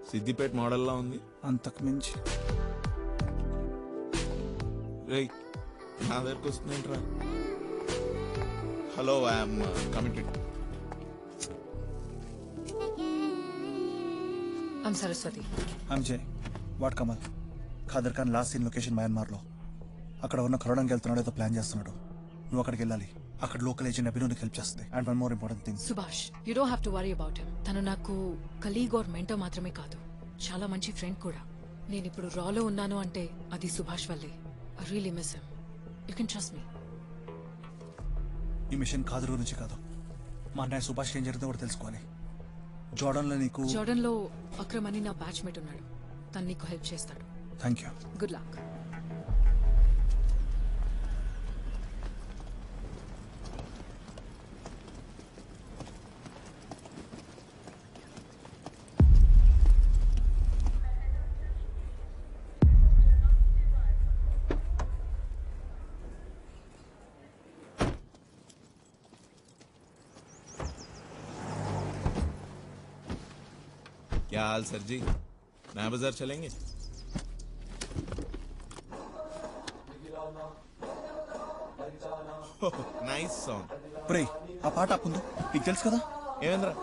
సిద్దిపేట మోడల్లా ఉంది. అంతకు మించి. రేయ్ నా దగ్గరకు వస్తుందేంట్రా. Hello, I'm committed. I'm Saraswati. I'm Jai. What Kamal? Khader Khan last scene location మయన్మార్లో. అక్కడ ఉన్న కరోడానికి వెళ్తున్నాడు, ఏదో ప్లాన్ చేస్తున్నాడు. నువ్వు అక్కడికి వెళ్ళాలి. అక్కడ లోకల్ ఏజెంట్ అభినవ్కి హెల్ప్ చేస్తుంది. And one more important thing, Subhash, you don't have to worry about him. తను నాకు కలీగ్ ఆర్ మెంటర్ మాత్రమే కాదు, చాలా మంచి ఫ్రెండ్ కూడా. నేను ఇప్పుడు రాలో ఉన్నాను అంటే అది సుభాష్ వల్లే. I really miss him. You can trust me. ఈ మిషన్ ఖాదర్ గురించి కాదు, మా అన్నయ్య సుభాష్ ఏం జరిగిందో కూడా తెలుసుకోవాలి. జోర్డన్ లో అక్రమ్ అని నా బ్యాచ్మేట్ ఉన్నాడు. తను నీకు హెల్ప్ చేస్తాడు. Thank you. Good luck. क्या हाल सर जी, नया बाजार चलेंगे? Nice song. ఆ పాట ఆపుందో నీకు తెలుసు కదా. ఏమేంద్రా